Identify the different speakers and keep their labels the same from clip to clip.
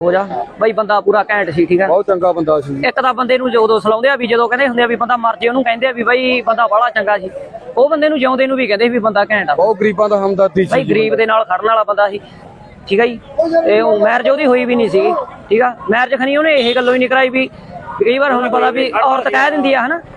Speaker 1: ਹੋ ਜਾ ਬਈ ਬੰਦਾ ਪੂਰਾ ਘੈਂਟ ਸੀ। ਠੀਕ ਹੈ,
Speaker 2: ਬਹੁਤ ਚੰਗਾ ਬੰਦਾ ਸੀ।
Speaker 1: ਇੱਕ ਤਾਂ ਬੰਦੇ ਨੂੰ ਉਦੋਂ ਸਲਾਉਂਦੇ ਆ ਵੀ ਜਦੋਂ ਕਹਿੰਦੇ ਹੁੰਦੇ ਆ ਵੀ ਬੰਦਾ ਮਰ ਜੇ ਉਹਨੂੰ ਕਹਿੰਦੇ ਆ ਵੀ ਬਈ ਬੰਦਾ ਬੜਾ ਚੰਗਾ ਸੀ। ਉਹ ਬੰਦੇ ਨੂੰ ਜਿਉਂਦੇ ਨੂੰ ਵੀ ਕਹਿੰਦੇ ਵੀ ਬੰਦਾ ਘੈਂਟ ਆ।
Speaker 2: ਬਹੁਤ ਗਰੀਬਾਂ ਦਾ ਹਮਦਰਦੀ ਸੀ
Speaker 1: ਬਈ ਗਰੀਬ ਦੇ ਨਾਲ ਖੜਨ ਵਾਲਾ ਬੰਦਾ ਸੀ। ਠੀਕ ਹੈ ਜੀ, ਤੇ ਉਹ ਮੈਰਿਜ ਉਹਦੀ ਹੋਈ ਵੀ ਨਹੀਂ ਸੀਗੀ। ਠੀਕ ਆ, ਮੈਰਿਜ ਖਣੀ ਉਹਨੇ ਇਹ ਗੱਲੋਂ ਹੀ ਨਹੀਂ ਕਰਾਈ ਵੀ ਕਈ ਵਾਰ ਹੁਣ ਪਤਾ ਵੀ ਔਰਤ ਕਹਿ ਦਿੰਦੀ ਆ ਹਨਾ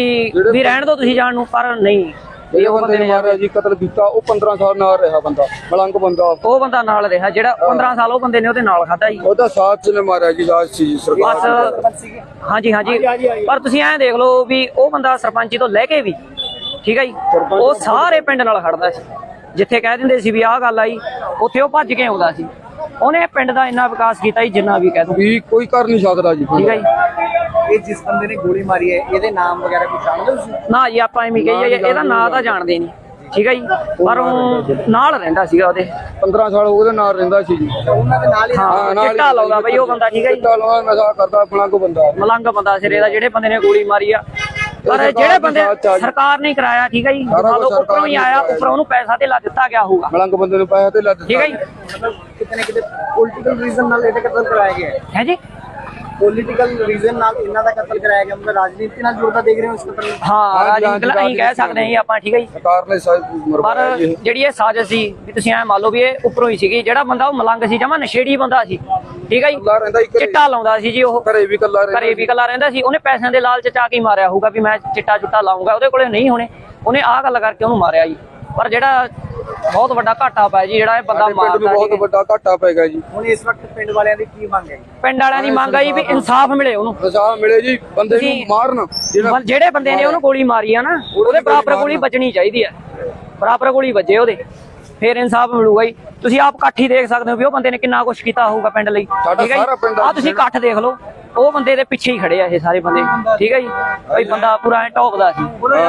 Speaker 1: ਵੀ ਰਹਿਣ ਦੋ ਤੁਸੀਂ ਜਾਣ ਨੂੰ, ਪਰ ਨਹੀਂ।
Speaker 2: ਇਹ ਬੰਦੇ ਨੇ ਮਾਰਿਆ ਜੀ, ਕਤਲ ਕੀਤਾ। ਉਹ 15 ਸਾਲ ਨਾਲ ਰਿਹਾ ਬੰਦਾ, ਮਲੰਗ ਬੰਦਾ।
Speaker 1: ਉਹ ਬੰਦਾ ਨਾਲ ਰਿਹਾ ਜਿਹੜਾ 15 ਸਾਲ ਉਹ ਬੰਦੇ ਨੇ ਉਹਦੇ ਨਾਲ ਖਾਧਾ ਜੀ।
Speaker 2: ਉਹਦਾ ਸਾਥ ਨੇ ਮਾਰਿਆ ਜੀ, ਰਾਜ ਸੀ ਸਰਕਾਰ।
Speaker 1: ਹਾਂਜੀ ਹਾਂਜੀ, ਪਰ ਤੁਸੀਂ ਐਂ ਦੇਖ ਲਓ ਵੀ ਉਹ ਬੰਦਾ ਸਰਪੰਚੀ ਤੋਂ ਲੈ ਕੇ ਵੀ ਠੀਕ ਹੈ ਜੀ, ਉਹ ਸਾਰੇ ਪਿੰਡ ਨਾਲ ਖੜਦਾ ਸੀ। ਜਿੱਥੇ ਕਹਿ ਦਿੰਦੇ ਸੀ ਵੀ ਆਹ ਗੱਲ ਆਈ, ਉੱਥੇ ਉਹ ਭੱਜ ਕੇ ਆਉਂਦਾ ਸੀ। ਉਹਨੇ ਪਿੰਡ ਦਾ ਇੰਨਾ ਵਿਕਾਸ ਕੀਤਾ ਜੀ ਜਿੰਨਾ ਵੀ ਕਹਿ ਦੋ
Speaker 2: ਵੀ ਕੋਈ ਕਰ ਨਹੀਂ ਸਕਦਾ ਜੀ।
Speaker 1: ਠੀਕ ਹੈ ਜੀ,
Speaker 3: ਇਹ ਜਿਸ ਬੰਦੇ ਨੇ ਗੋਲੀ ਮਾਰੀ ਹੈ ਇਹਦੇ ਨਾਮ ਵਗੈਰਾ ਕੁਝ ਜਾਣਦੇ ਹੋ ਤੁਸੀਂ?
Speaker 1: ਨਾ ਜੀ ਆਪਾਂ ਐਵੇਂ ਕਹੀਏ ਇਹਦਾ ਨਾਂ ਤਾਂ ਜਾਣਦੇ ਨਹੀਂ। ਠੀਕ ਹੈ ਜੀ, ਪਰ ਉਹ ਨਾਲ ਰਹਿੰਦਾ ਸੀਗਾ ਉਹਦੇ
Speaker 2: 15 ਸਾਲ ਉਹਦੇ ਨਾਲ ਰਹਿੰਦਾ ਸੀ ਜੀ।
Speaker 3: ਉਹਨਾਂ ਦੇ ਨਾਲ ਹੀ
Speaker 1: ਹਾਂ, ਚਿੱਟਾ ਲਾਉਂਦਾ ਬਈ ਉਹ ਬੰਦਾ। ਠੀਕ ਹੈ ਜੀ,
Speaker 2: ਚਿੱਟਾ ਲਾਉਂਦਾ, ਨਸ਼ਾ ਕਰਦਾ, ਮਲੰਗ ਬੰਦਾ।
Speaker 1: ਮਲੰਗ ਬੰਦਾ ਸਿਰੇ ਦਾ, ਜਿਹੜੇ ਬੰਦੇ ਨੇ ਗੋਲੀ ਮਾਰੀ ਆ। ਪਰ ਜਿਹੜੇ ਬੰਦੇ ਸਰਕਾਰ ਨੇ ਕਰਾਇਆ, ਠੀਕ ਹੈ ਜੀ, ਉੱਪਰੋਂ ਹੀ ਆਇਆ, ਉੱਪਰੋਂ ਉਹਨੂੰ ਪੈਸਾ ਧੇਲਾ ਦਿੱਤਾ ਗਿਆ ਹੋਊਗਾ।
Speaker 2: ਮਲੰਗ ਬੰਦੇ ਨੂੰ ਪੈਸਾ ਧੇਲਾ ਦਿੱਤਾ।
Speaker 1: ਠੀਕ ਹੈ ਜੀ,
Speaker 3: ਕਿਤੇ ਨਾ ਕਿਤੇ ਪੋਲੀਟੀਕਲ ਰੀਜ਼ਨ ਨਾਲ ਇਹਦਾ ਕਤਲ ਕਰਾਇਆ ਗਿਆ
Speaker 1: ਹੈ ਜੀ।
Speaker 3: ਪੋਲੀਟੀਕਲ ਰੀਜ਼ਨ ਨਾਲ ਇਹਨਾਂ ਦਾ ਕਤਲ ਕਰਾਇਆ ਗਿਆ, ਮਤਲਬ ਰਾਜਨੀਤੀ ਨਾਲ ਜੁੜਦਾ ਦੇਖ ਰਹੇ ਹੋ ਇਸ ਕਤਲ ਨੂੰ?
Speaker 1: ਹਾਂ, ਰਾਜਨੀਤਿਕ ਅਸੀਂ ਕਹਿ ਸਕਦੇ ਹਾਂ ਆਪਾਂ। ਠੀਕ ਹੈ ਜੀ,
Speaker 2: ਸਰਕਾਰ ਨੇ
Speaker 1: ਪਰ ਜਿਹੜੀ ਇਹ ਸਾਜ਼ਿਸ਼ ਸੀ ਵੀ ਤੁਸੀਂ ਐ ਮੰਨ ਲਓ ਵੀ ਇਹ ਉੱਪਰੋਂ ਹੀ ਸੀਗੀ। ਜਿਹੜਾ ਬੰਦਾ ਉਹ ਮਲੰਗ ਸੀ, ਜਮਾ ਨਸ਼ੇੜੀ ਬੰਦਾ ਸੀ। ਠੀਕ ਹੈ ਜੀ, ਚਿੱਟਾ ਲਾਉਂਦਾ ਸੀ ਜੀ। ਉਹ
Speaker 2: ਘਰੇ ਵੀ ਇਕੱਲਾ
Speaker 1: ਰਹਿੰਦਾ ਸੀ। ਉਹਨੇ ਪੈਸਿਆਂ ਦੇ ਲਾਲਚ ਚ ਆ ਕੇ ਮਾਰਿਆ ਹੋਊਗਾ ਵੀ ਮੈਂ ਚਿੱਟਾ ਚੁੱਟਾ ਲਾਉਂਗਾ। ਉਹਦੇ ਕੋਲੇ ਨਹੀਂ ਹੋਣੇ, ਉਹਨੇ ਆਹ ਗੱਲ ਕਰਕੇ ਉਹਨੂੰ ਮਾਰਿਆ ਜੀ। ਪਰ ਜਿਹੜਾ ਬਹੁਤ ਵੱਡਾ ਘਾਟਾ ਪਿਆ ਜੀ, ਜਿਹੜਾ ਇਹ ਬੰਦਾ ਮਾਰਦਾ,
Speaker 2: ਬਹੁਤ ਵੱਡਾ ਘਾਟਾ ਪੈ ਗਿਆ ਜੀ।
Speaker 3: ਹੁਣ ਇਸ ਵਕਤ ਪਿੰਡ ਵਾਲਿਆਂ ਦੀ ਕੀ ਮੰਗ ਹੈ?
Speaker 1: ਪਿੰਡ ਵਾਲਿਆਂ ਦੀ ਮੰਗ ਆਈ ਵੀ ਇਨਸਾਫ ਮਿਲੇ ਉਹਨੂੰ।
Speaker 2: ਇਨਸਾਫ ਮਿਲੇ ਜੀ, ਬੰਦੇ ਨੂੰ ਮਾਰਨ।
Speaker 1: ਜਿਹੜੇ ਬੰਦੇ ਨੇ ਉਹਨੂੰ ਗੋਲੀ ਮਾਰੀ ਆ ਨਾ, ਉਹਦੇ ਬਰਾਬਰ ਗੋਲੀ ਵੱਜਣੀ ਚਾਹੀਦੀ ਹੈ। ਬਰਾਬਰ ਗੋਲੀ ਵੱਜੇ ਉਹਦੇ, ਫੇਰ ਇਨਸਾਫ ਮਿਲੂਗਾ ਜੀ। ਤੁਸੀਂ ਆਪ ਇਕੱਠ ਹੀ ਦੇਖ ਸਕਦੇ ਹੋ ਵੀ ਉਹ ਬੰਦੇ ਨੇ ਕਿੰਨਾ ਕੁਛ ਕੀਤਾ ਹੋਊਗਾ ਪਿੰਡ ਲਈ। ਠੀਕ ਹੈ ਜੀ, ਆਹ ਤੁਸੀਂ ਇਕੱਠ ਦੇਖ ਲਓ, ਉਹ ਬੰਦੇ ਦੇ ਪਿੱਛੇ ਹੀ ਖੜੇ ਆ ਇਹ ਸਾਰੇ ਬੰਦੇ। ਠੀਕ ਹੈ ਜੀ, ਬਈ ਬੰਦਾ ਪੂਰਾ ਐ ਟੌਪਦਾ ਸੀ।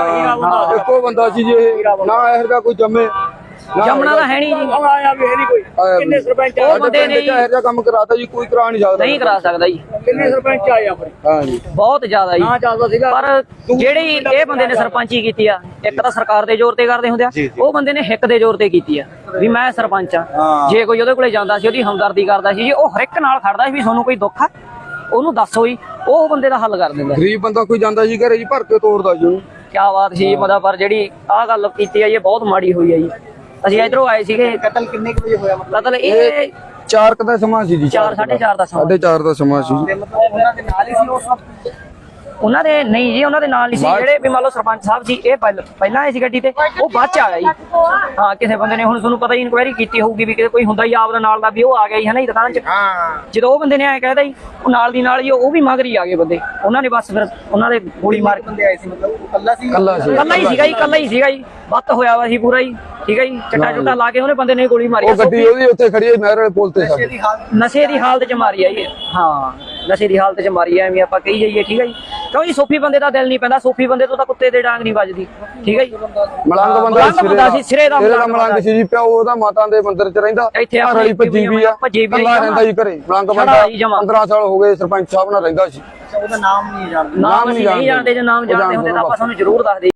Speaker 2: ਇੱਕੋ ਬੰਦਾ ਸੀ ਜੀ, ਨਾ ਇਹੋ ਜਿਹਾ ਕੋਈ ਜੰਮੇ।
Speaker 1: ਜੰਮਣਾ ਤਾਂ ਹੈ ਨਹੀਂ ਜੀ।
Speaker 3: ਆਇਆ ਵੀ ਹੈ ਨਹੀਂ ਕੋਈ। ਕਿੰਨੇ ਸਰਪੰਚ
Speaker 1: ਉਹ ਬੰਦੇ ਨੇ
Speaker 2: ਇਹੋ ਜਿਹਾ ਕੰਮ ਕਰਾਤਾ ਜੀ, ਕੋਈ ਕਰਾ ਨਹੀਂ ਸਕਦਾ।
Speaker 1: ਨਹੀਂ ਕਰਾ ਸਕਦਾ ਜੀ।
Speaker 3: ਕਿੰਨੇ ਸਰਪੰਚ ਆਏ ਆਪਣੇ?
Speaker 2: ਹਾਂ ਜੀ,
Speaker 1: ਬਹੁਤ ਜ਼ਿਆਦਾ ਜੀ।
Speaker 3: ਹਾਂ, ਚੱਲਦਾ ਸੀਗਾ।
Speaker 1: ਪਰ ਜਿਹੜੀ ਇਹ ਬੰਦੇ ਨੇ ਸਰਪੰਚੀ ਕੀਤੀ ਆ, ਇੱਕ ਤਾਂ ਸਰਕਾਰ ਦੇ ਜ਼ੋਰ ਤੇ ਕਰਦੇ ਹੁੰਦੇ ਆ, ਉਹ ਬੰਦੇ ਨੇ ਹਿੱਕ ਦੇ ਜ਼ੋਰ ਤੇ ਕੀਤੀ ਆ ਵੀ ਮੈਂ ਸਰਪੰਚ ਆ। ਜੇ ਕੋਈ ਉਹਦੇ ਕੋਲੇ ਜਾਂਦਾ ਸੀ, ਉਹਦੀ ਹਮਦਰਦੀ ਕਰਦਾ ਸੀ ਜੀ, ਉਹ ਹਰ ਇੱਕ ਨਾਲ ਖੜਦਾ ਸੀ ਵੀ ਤੁਹਾਨੂੰ ਕੋਈ ਦੁੱਖ ਆ ਉਹਨੂੰ ਦੱਸੋ ਜੀ, ਉਹ ਬੰਦੇ ਦਾ ਹੱਲ ਕਰ ਦਿੰਦਾ।
Speaker 2: ਗਰੀਬ ਬੰਦਾ ਕੋਈ ਜਾਂਦਾ ਜੀ ਘਰੇ ਜੀ, ਭਰ ਕੇ ਤੋੜਦਾ ਜੀ ਉਹਨੂੰ।
Speaker 1: ਕਿਆ ਬਾਤ ਸੀ ਮਤਲਬ। ਪਰ ਜਿਹੜੀ ਆਹ ਗੱਲ ਕੀਤੀ ਆ ਇਹ ਬਹੁਤ ਮਾੜੀ ਹੋਈ ਆ ਜੀ। ਅਸੀਂ ਇਧਰੋਂ ਆਏ ਸੀਗੇ।
Speaker 3: ਕਤਲ ਕਿੰਨੇ ਕੁ ਵਜੇ ਹੋਇਆ?
Speaker 1: ਮਤਲਬ ਇਹ
Speaker 2: 4 ਦਾ ਸਮਾਂ ਸੀ ਜੀ।
Speaker 1: 4:30 ਦਾ ਸਮਾਂ।
Speaker 2: 4:30 ਦਾ ਸਮਾਂ ਸੀ।
Speaker 3: ਤੇ ਮਤਲਬ ਉਹਨਾਂ ਦੇ ਨਾਲ ਹੀ ਸੀ ਉਸ ਵਕਤ?
Speaker 1: ਉਹਨਾਂ ਦੇ ਨਹੀਂ ਜੀ, ਉਹਨਾਂ ਦੇ ਨਾਲ ਨਹੀਂ ਸੀ। ਜਿਹੜੇ ਵੀ ਮੰਨ ਲਓ ਸਰਪੰਚ ਸਾਹਿਬ ਸੀ, ਇਹ ਪਹਿਲਾਂ ਆਏ ਸੀ ਗੱਡੀ ਤੇ, ਉਹ ਬਾਅਦ ਚ ਆਇਆ ਜੀ। ਹਾਂ, ਕਿਸੇ ਬੰਦੇ ਨੇ ਹੁਣ ਤੁਹਾਨੂੰ ਪਤਾ ਹੀ ਇਨਕੁਆਇਰੀ ਕੀਤੀ ਹੋਊਗੀ ਵੀ ਕੋਈ ਹੁੰਦਾ ਹੀ ਆਪਦਾ ਨਾਲ ਦਾ ਵੀ ਉਹ ਆ ਗਿਆ ਜੀ, ਹੈ ਨਾ ਜੀ, ਦੁਕਾਨ ਚ। ਜਦੋਂ ਉਹ ਬੰਦੇ ਨੇ ਐਂ ਕਹਿਦਾ ਜੀ, ਉਹ ਨਾਲ ਦੀ ਨਾਲ ਹੀ ਉਹ ਵੀ ਮਗਰ ਹੀ ਆ ਗਏ ਬੰਦੇ। ਉਹਨਾਂ ਨੇ ਬਸ ਫਿਰ ਉਹਨਾਂ ਦੇ ਗੋਲੀ ਮਾਰ ਕੇ
Speaker 3: ਬੰਦੇ ਆਏ ਸੀ, ਮਤਲਬ ਉਹ ਕੱਲਾ ਸੀ?
Speaker 1: ਕੱਲਾ ਹੀ ਸੀਗਾ ਜੀ, ਕੱਲਾ ਹੀ ਸੀਗਾ ਜੀ। ਬੱਤ ਹੋਇਆ ਵਾ ਸੀ ਪੂਰਾ ਜੀ। ਠੀਕ ਹੈ ਜੀ, ਚਿੱਟਾ ਚੁੱਟਾ ਲਾ ਕੇ ਉਹਨੇ ਬੰਦੇ ਨੇ ਗੋਲੀ ਮਾਰੀ।
Speaker 2: ਉਹ ਗੱਡੀ ਉਹਦੀ ਉੱਥੇ ਖੜੀ ਹੈ ਨਹਿਰ ਵਾਲੇ ਪੁਲ ਤੇ।
Speaker 1: ਨਸ਼ੇ ਦੀ ਹਾਲਤ ਚ ਮਾਰੀ ਆ ਜੀ। ਹਾਂ, ਨਸ਼ੇ ਦੀ ਹਾਲਤ ਚ ਮਾਰੀ ਐ, ਐਵੇਂ ਆਪਾਂ ਕਹੀ ਜਾਈਏ। ਠੀਕ ਹੈ ਜੀ, ਕਿਉਂ ਜੀ, ਸੋਫੀ ਬੰਦੇ ਦਾ ਦਿਲ ਨਹੀਂ ਪੈਂਦਾ। ਸੋਫੀ ਬੰਦੇ ਤੋਂ ਤਾਂ ਕੁੱਤੇ ਦੇ ਡਾਂਗ ਨਹੀਂ ਵੱਜਦੀ। ਠੀਕ ਹੈ ਜੀ,
Speaker 2: ਮਲੰਗ ਬੰਦਾ ਸੀ,
Speaker 1: ਸਿਰੇ ਦਾ
Speaker 2: ਮਲੰਗ ਸੀ ਜੀ। ਪਿਓ ਉਹਦਾ ਮਾਤਾ ਦੇ ਮੰਦਿਰ ਚ ਰਹਿੰਦਾ।
Speaker 1: ਇੱਥੇ
Speaker 2: ਘਰ ਵਾਲੀ ਭੱਜੀ ਵੀ ਆ, ਕੱਲਾ ਰਹਿੰਦਾ ਜੀ ਘਰੇ। ਮਲੰਗ ਬੰਦਾ 15 ਸਾਲ ਹੋ ਗਏ ਸਰਪੰਚ ਸਾਹਿਬ ਨਾਲ ਰਹਿੰਦਾ ਸੀ।
Speaker 3: ਉਹਦਾ ਨਾਮ ਨਹੀਂ ਜਾਣਦੇ?
Speaker 1: ਨਾਮ ਨਹੀਂ ਜਾਣਦੇ। ਜੇ ਨਾਮ ਜਾਣਦੇ ਹੁੰਦੇ ਤਾਂ ਆਪਾਂ ਤੁਹਾਨੂੰ ਜ਼ਰੂਰ ਦੱਸਦੇ।